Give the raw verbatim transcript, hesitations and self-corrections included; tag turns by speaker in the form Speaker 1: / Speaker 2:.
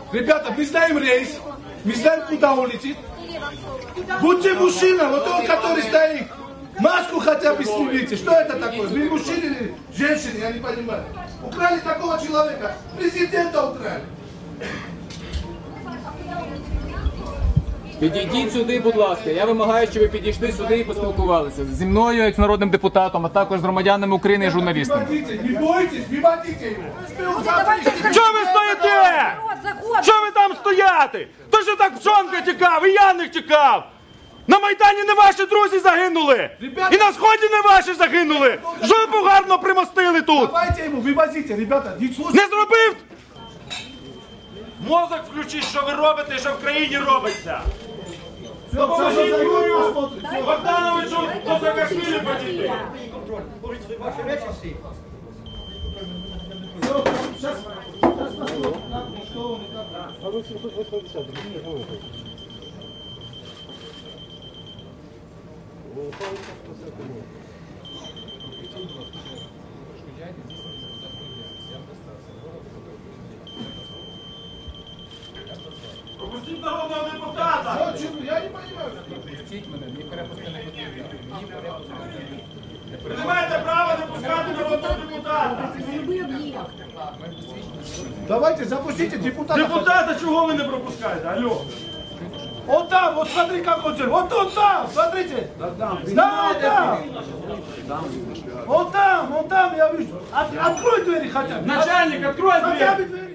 Speaker 1: Ребята, мы знаем рейс, мы знаем, куда он летит. Будьте мужчина, вот он, который стоит. Маску хотя бы снимите. Что это такое? Вы мужчины или женщины? Я не понимаю. Украли такого человека. Президента украли.
Speaker 2: Підійдіть сюди, будь ласка. Я вимагаю, щоб ви підійшли сюди і поспілкувалися зі мною, як з народним депутатом, а також з громадянами України і журналістами.
Speaker 1: Не бойтесь, не водите його.
Speaker 3: Чого ви стоїте? Чого ви там стояти? То що так Пшонка тікав, і Яник тікав. На Майдані не ваші друзі загинули. І на Сході не ваші загинули. Жопу гарно примостили тут.
Speaker 1: Давайте йому, вивозите, ребята.
Speaker 3: Не зробив? Мозок включіть, що ви робите і що в країні робиться. Допоможіть Юрію Богдановичу до Саакашвілі подійти. Пропустіть народного депутата!
Speaker 1: Я не понимаю.
Speaker 3: Ви не маєте права не пускати народного депутата!
Speaker 1: Давайте, запустите депутата.
Speaker 3: Депутата чого ви не пропускаєте? Алло!
Speaker 1: Он там, вот смотри, как он делает. Вот он там, смотрите. Да, он там. Он там, он там, я вижу. От- Открой двери хотя бы.
Speaker 3: Начальник, открой
Speaker 1: Хотя
Speaker 3: дверь!
Speaker 1: бы двери.